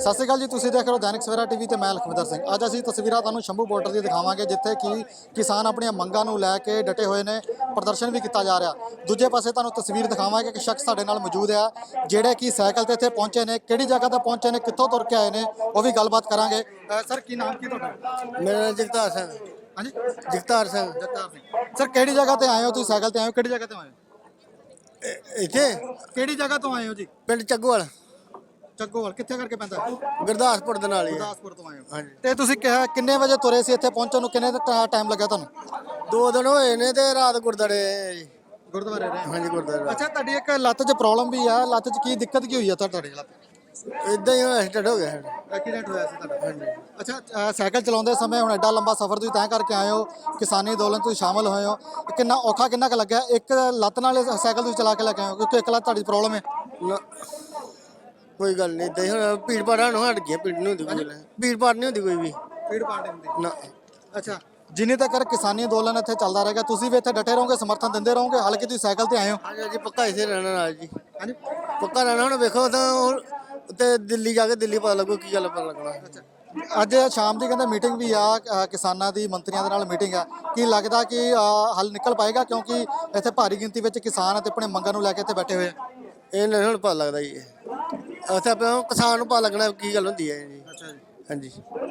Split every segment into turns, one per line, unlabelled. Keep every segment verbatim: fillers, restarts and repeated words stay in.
ਸਤਿ ਸ਼੍ਰੀ ਅਕਾਲ ਜੀ, ਤੁਸੀਂ ਦੇਖ ਰਹੇ ਹੋ ਦੈਨਿਕ ਸਵੇਰਾ ਟੀਵੀ ਤੇ ਮੈਂ ਲਖਵਿੰਦਰ ਸਿੰਘ। ਅੱਜ ਅਸੀਂ ਤਸਵੀਰਾਂ ਤੁਹਾਨੂੰ ਸ਼ੰਭੂ ਬਾਰਡਰ ਦੀ ਦਿਖਾਵਾਂਗੇ, ਜਿੱਥੇ ਕਿ ਕਿਸਾਨ ਆਪਣੀਆਂ ਮੰਗਾਂ ਨੂੰ ਲੈ ਕੇ ਡਟੇ ਹੋਏ ਨੇ। ਪ੍ਰਦਰਸ਼ਨ ਵੀ ਕੀਤਾ ਜਾ ਰਿਹਾ। ਦੂਜੇ ਪਾਸੇ ਤੁਹਾਨੂੰ ਤਸਵੀਰ ਦਿਖਾਵਾਂਗੇ ਕਿ ਸ਼ਖਸ ਸਾਡੇ ਨਾਲ ਮੌਜੂਦ ਆ, ਜਿਹੜੇ ਕਿ ਸਾਈਕਲ ਤੇ ਇੱਥੇ ਪਹੁੰਚੇ ਨੇ। ਕਿਹੜੀ ਜਗ੍ਹਾ ਤੇ ਪਹੁੰਚੇ ਨੇ, ਕਿੱਥੋਂ ਤੁਰ ਕੇ ਆਏ ਨੇ, ਉਹ ਵੀ ਗੱਲਬਾਤ ਕਰਾਂਗੇ। ਸਰ, ਕੀ ਨਾਮ ਕੀ ਤੁਹਾਡਾ?
ਮੇਰਾ ਨਾਮ ਜਗਤਾਰ ਸਿੰਘ।
ਹਾਂਜੀ,
ਜਗਤਾਰ ਸਿੰਘ।
ਜਗਤਾਰ ਸਿੰਘ। ਸਰ, ਕਿਹੜੀ ਜਗ੍ਹਾ ਤੇ ਆਏ ਹੋ? ਤੁਸੀਂ ਸਾਈਕਲ ਤੇ ਆਏ ਹੋ, ਕਿਹੜੀ ਜਗ੍ਹਾ ਤੇ ਆਏ ਹੋ?
ਇ- ਇੱਥੇ
ਕਿਹੜੀ ਜਗ੍ਹਾ ਤੋਂ ਆਏ ਹੋ ਜੀ?
ਪਿੰਡ ਚੱਗੋਵਾਲ,
ਚੱਗੋਵਾਲ ਕਿੱਥੇ ਕਰਕੇ ਪੈਂਦਾ ਹੈ?
ਗੁਰਦਾਸਪੁਰ ਦੇ ਨਾਲ ਹੀ ਹੈ।
ਗੁਰਦਾਸਪੁਰ ਤੋਂ ਆਏ ਹੋ।
ਹਾਂਜੀ।
ਤੇ ਤੁਸੀਂ ਕਿਹਾ ਕਿੰਨੇ ਵਜੇ ਤੁਰੇ ਸੀ ਇੱਥੇ ਪਹੁੰਚਣ ਨੂੰ? ਕਿੰਨੇ ਟਾਈਮ ਲੱਗਾ ਤੁਹਾਨੂੰ?
ਦੋ ਦਿਨ ਹੋਏ ਨੇ ਤੇ ਰਾਤ ਗੁਰਦਾਰੇ ਆਏ ਆ ਜੀ।
ਗੁਰਦੁਆਰੇ ਰਹੇ?
ਹਾਂਜੀ, ਗੁਰਦਾਰੇ।
ਅੱਛਾ, ਤੁਹਾਡੀ ਇੱਕ ਲੱਤ 'ਚ ਪ੍ਰੋਬਲਮ ਵੀ ਆ। ਲੱਤ 'ਚ ਕੀ ਦਿੱਕਤ ਕੀ ਹੋਈ ਆ ਤੁਹਾਡੀ ਲੱਤ?
ਇਦਾਂ ਹੀ ਐਕਸੀਡੈਂਟ ਹੋ ਗਿਆ ਸਾਡਾ।
ਐਕਸੀਡੈਂਟ ਹੋਇਆ ਸੀ ਤੁਹਾਡਾ?
ਹਾਂਜੀ।
ਅੱਛਾ, ਅ, ਸਾਈਕਲ ਚਲਾਉਂਦੇ ਸਮੇਂ ਹੁਣ ਐਡਾ ਲੰਬਾ ਸਫ਼ਰ ਤੁਸੀਂ ਤੈਅ ਕਰਕੇ ਆਏ ਹੋ, ਕਿਸਾਨੀ ਅੰਦੋਲਨ ਤੁਸੀਂ ਸ਼ਾਮਲ ਹੋਏ ਹੋ, ਕਿੰਨਾ ਔਖਾ ਕਿੰਨਾ ਕੁ ਲੱਗਿਆ? ਇੱਕ ਲੱਤ ਨਾਲ ਇਹ ਸਾਈਕਲ ਤੁਸੀਂ ਚਲਾ ਕੇ ਲੈ ਕੇ ਆਏ ਹੋ, ਕਿਉਂਕਿ ਇੱਕ ਲੱਤ ਤੁਹਾਡੀ ਪ੍ਰੋਬਲਮ ਹੈ।
ਨਾ ਕੋਈ ਗੱਲ ਨਹੀਂ, ਇਦਾਂ ਹੀ ਹੁਣ ਭੀੜ ਭਾੜ ਨੂੰ ਹਟ ਗਿਆ। ਭੀੜ ਨਹੀਂ ਹੁੰਦੀ ਕੋਈ ਗੱਲ। ਭੀੜ ਭਾੜ ਨਹੀਂ ਹੁੰਦੀ ਕੋਈ ਵੀ।
ਫੀਡ ਪਾਰਟੀ ਹੁੰਦੀ
ਨਾ।
ਅੱਛਾ, ਜਿੰਨੀ ਤੱਕ ਕਿਸਾਨੀ ਅੰਦੋਲਨ ਇੱਥੇ ਚੱਲਦਾ ਰਹੇਗਾ, ਤੁਸੀਂ ਵੀ ਇੱਥੇ ਡਟੇ ਰਹੋਗੇ, ਸਮਰਥਨ ਦਿੰਦੇ ਰਹੋਗੇ, ਹਾਲਾਂਕਿ ਤੁਸੀਂ ਸਾਈਕਲ ਤੇ ਆਏ ਹੋ?
ਹਾਂਜੀ ਹਾਂਜੀ, ਪੱਕਾ ਇਸੇ ਰਹਿਣਾ ਨਾਲ ਜੀ।
ਹਾਂਜੀ,
ਪੱਕਾ ਰਹਿਣਾ। ਹੁਣ ਵੇਖੋ ਤਾਂ ਹੁਣ ਤੇ ਦਿੱਲੀ ਜਾ ਕੇ ਦਿੱਲੀ ਪਤਾ ਲੱਗੂ ਕੀ ਗੱਲ ਪਤਾ ਲੱਗਣਾ।
ਅੱਜ ਸ਼ਾਮ ਦੀ ਕਹਿੰਦੇ ਮੀਟਿੰਗ ਵੀ ਆ, ਅ, ਕਿਸਾਨਾਂ ਦੀ ਮੰਤਰੀਆਂ ਦੇ ਨਾਲ ਮੀਟਿੰਗ ਆ। ਕੀ ਲੱਗਦਾ ਕਿ ਅ, ਹੱਲ ਨਿਕਲ ਪਾਏਗਾ? ਕਿਉਂਕਿ ਇੱਥੇ ਭਾਰੀ ਗਿਣਤੀ ਵਿੱਚ ਕਿਸਾਨ ਅਤੇ ਆਪਣੇ ਮੰਗਾਂ ਨੂੰ ਲੈ ਕੇ ਇੱਥੇ ਬੈਠੇ ਹੋਏ ਆ।
ਇਹ ਨਹੀਂ ਹੁਣ ਪਤਾ ਲੱਗਦਾ ਜੀ। ਉੱਥੇ ਆਪਾਂ ਕਿਸਾਨ ਨੂੰ ਪਤਾ ਲੱਗਣਾ ਕੀ ਗੱਲ ਹੁੰਦੀ ਹੈ ਜੀ।
ਅੱਛਾ ਜੀ।
ਹਾਂਜੀ।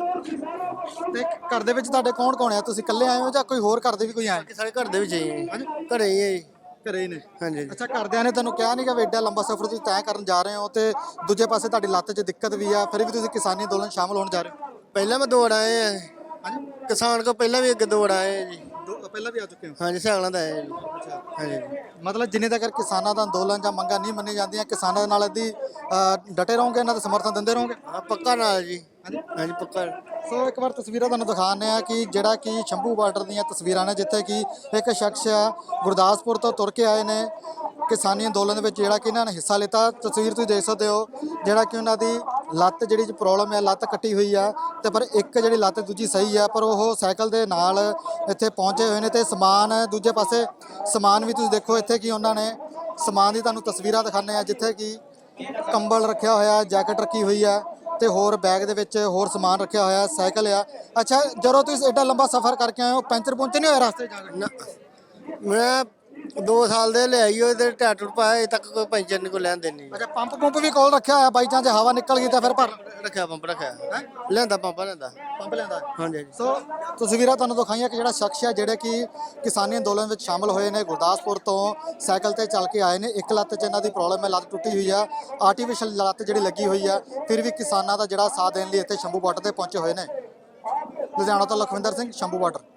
ਤੇ ਘਰ ਦੇ ਵਿੱਚ ਤੁਹਾਡੇ ਕੌਣ ਕੌਣ ਆ? ਤੁਸੀਂ ਇਕੱਲੇ ਆਏ ਹੋ ਜਾਂ ਕੋਈ ਹੋਰ ਘਰ ਦੇ ਵੀ ਕੋਈ ਆਏ?
ਬਾਕੀ ਸਾਰੇ ਘਰ ਦੇ ਵਿੱਚ ਹੀ ਹੈ ਜੀ। ਘਰੇ ਹੀ ਹੈ ਜੀ।
ਘਰੇ ਹੀ ਨੇ?
ਹਾਂਜੀ ਹਾਂਜੀ।
ਅੱਛਾ, ਘਰਦਿਆਂ ਨੇ ਤੁਹਾਨੂੰ ਕਿਹਾ ਨਹੀਂ ਕਿ ਵੀ ਐਡਾ ਲੰਬਾ ਸਫ਼ਰ ਤੁਸੀਂ ਤੈਅ ਕਰਨ ਜਾ ਰਹੇ ਹੋ, ਤੇ ਦੂਜੇ ਪਾਸੇ ਤੁਹਾਡੀ ਲੱਤ 'ਚ ਦਿੱਕਤ ਵੀ ਆ, ਫਿਰ ਵੀ ਤੁਸੀਂ ਕਿਸਾਨੀ ਅੰਦੋਲਨ ਸ਼ਾਮਲ ਹੋਣ ਜਾ ਰਹੇ ਹੋ?
ਪਹਿਲਾਂ ਮੈਂ ਦੌੜ ਆਏ ਆ।
ਹਾਂਜੀ,
ਕਿਸਾਨ ਕੋ ਪਹਿਲਾਂ ਵੀ ਅੱਗੇ ਦੌੜ ਆਏ ਆ ਜੀ।
ਦੋ ਪਹਿਲਾਂ ਵੀ ਆ ਚੁੱਕੇ ਹੋ?
ਹਾਂਜੀ, ਸਾਈਕਲਾਂ ਦਾ ਆਏ ਆ ਜੀ।
ਅੱਛਾ,
ਹਾਂਜੀ।
ਮਤਲਬ ਜਿੰਨੇ ਤੱਕ ਕਿਸਾਨਾਂ ਦਾ ਅੰਦੋਲਨ ਜਾਂ ਮੰਗਾਂ ਨਹੀਂ ਮੰਨੀਆਂ ਜਾਂਦੀਆਂ, ਕਿਸਾਨਾਂ ਦੇ ਨਾਲ ਇਹਦੀ ਅ, ਡਟੇ ਰਹੋਗੇ, ਇਹਨਾਂ ਦਾ ਸਮਰਥਨ ਦਿੰਦੇ ਰਹੋਗੇ?
ਹਾਂ, ਪੱਕਾ ਨਾਲ ਜੀ।
ਹਾਂਜੀ।
ਹਾਂਜੀ, ਪੱਕਾ।
ਸੋ ਇੱਕ ਵਾਰ ਤਸਵੀਰਾਂ ਤੁਹਾਨੂੰ ਦਿਖਾਉਂਦੇ ਆ ਕਿ ਜਿਹੜਾ ਕਿ ਸ਼ੰਭੂ ਬਾਰਡਰ ਦੀਆਂ ਤਸਵੀਰਾਂ ਨੇ, ਜਿੱਥੇ ਕਿ ਇੱਕ ਸ਼ਖਸ ਆ ਗੁਰਦਾਸਪੁਰ ਤੋਂ ਤੁਰ ਕੇ ਆਏ ਨੇ ਕਿਸਾਨੀ ਅੰਦੋਲਨ ਦੇ ਵਿੱਚ, ਜਿਹੜਾ ਕਿ ਇਹਨਾਂ ਨੇ ਹਿੱਸਾ ਲਿੱਤਾ। ਤਸਵੀਰ ਤੁਸੀਂ ਦੇਖ ਸਕਦੇ ਹੋ, ਜਿਹੜਾ ਕਿ ਉਹਨਾਂ ਦੀ ਲੱਤ ਜਿਹੜੀ ਪ੍ਰੋਬਲਮ ਹੈ, ਲੱਤ ਕੱਟੀ ਹੋਈ ਆ, ਤੇ ਪਰ ਇੱਕ ਜਿਹੜੀ ਲੱਤ ਦੂਜੀ ਸਹੀ ਆ, ਪਰ ਉਹ ਸਾਈਕਲ ਦੇ ਨਾਲ ਇੱਥੇ ਪਹੁੰਚੇ ਹੋਏ ਨੇ। ਤੇ ਸਮਾਨ ਦੂਜੇ ਪਾਸੇ ਸਮਾਨ ਵੀ ਤੁਸੀਂ ਦੇਖੋ ਇੱਥੇ ਕਿ ਉਹਨਾਂ ਨੇ ਸਮਾਨ ਦੀ ਤੁਹਾਨੂੰ ਤਸਵੀਰਾਂ ਦਿਖਾਉਂਦੇ ਆ, ਜਿੱਥੇ ਕਿ ਕੰਬਲ ਰੱਖਿਆ ਹੋਇਆ, ਜੈਕਟ ਰੱਖੀ ਹੋਈ ਆ, ਤੇ ਹੋਰ ਬੈਗ ਦੇ ਵਿੱਚ ਹੋਰ ਸਮਾਨ ਰੱਖਿਆ ਹੋਇਆ, ਸਾਈਕਲ ਆ। ਅੱਛਾ, ਜਦੋਂ ਤੁਸੀਂ ਐਡਾ ਲੰਬਾ ਸਫ਼ਰ ਕਰਕੇ ਆਏ ਹੋ, ਪੈਂਚਰ ਪੁੰਚਰ ਨਹੀਂ ਹੋਇਆ ਰਸਤੇ 'ਚ ਜਾ ਕੇ?
ਨਾ, ਮੈਂ ਦੋ ਸਾਲ ਦੇ ਲਿਆਈ ਹੋਏ ਤੇ ਟਾਇਰ ਟੂਰ ਪਾਇਆ, ਅਜੇ ਤੱਕ ਕੋਈ ਪੈਂਚਰ ਨਹੀਂ ਕੋਈ ਲੈਣ ਦੇਣੀ।
ਅੱਛਾ, ਪੰਪ ਪੰਪ ਵੀ ਕੋਲ ਰੱਖਿਆ ਹੋਇਆ, ਬਾਈ ਚਾਂਸ ਹਵਾ ਨਿਕਲ ਗਈ ਤਾਂ ਫਿਰ ਭਰ
ਰੱਖਿਆ ਪੰਪ ਰੱਖਿਆ।
ਹੈਂ?
ਲਿਆਂਦਾ ਪੰਪ ਲਿਆਂਦਾ।
ਪੰਪ ਲੈਂਦਾ?
ਹਾਂਜੀ ਹਾਂਜੀ।
ਸੋ ਤਸਵੀਰਾਂ ਤੁਹਾਨੂੰ ਦਿਖਾਈਆਂ ਕਿ ਜਿਹੜਾ ਸ਼ਖਸ ਹੈ, ਜਿਹੜੇ ਕਿ ਕਿਸਾਨੀ ਅੰਦੋਲਨ ਵਿੱਚ ਸ਼ਾਮਲ ਹੋਏ ਨੇ, ਗੁਰਦਾਸਪੁਰ ਤੋਂ ਸਾਈਕਲ ਤੇ ਚੱਲ ਕੇ ਆਏ ਨੇ। ਇੱਕ ਲੱਤ 'ਚ ਇਹਨਾਂ ਦੀ ਪ੍ਰੋਬਲਮ ਹੈ, ਲੱਤ ਟੁੱਟੀ ਹੋਈ ਆ, ਆਰਟੀਫਿਸ਼ਲ ਲੱਤ ਜਿਹੜੀ ਲੱਗੀ ਹੋਈ ਆ, ਫਿਰ ਵੀ ਕਿਸਾਨਾਂ ਦਾ ਜਿਹੜਾ ਸਾਥ ਦੇਣ ਲਈ ਇੱਥੇ ਸ਼ੰਭੂ ਬਾਰਡਰ ਤੇ ਪਹੁੰਚੇ ਹੋਏ ਨੇ। ਲੁਧਿਆਣਾ ਤੋਂ ਲਖਵਿੰਦਰ ਸਿੰਘ, ਸ਼ੰਭੂ ਬਾਰਡਰ।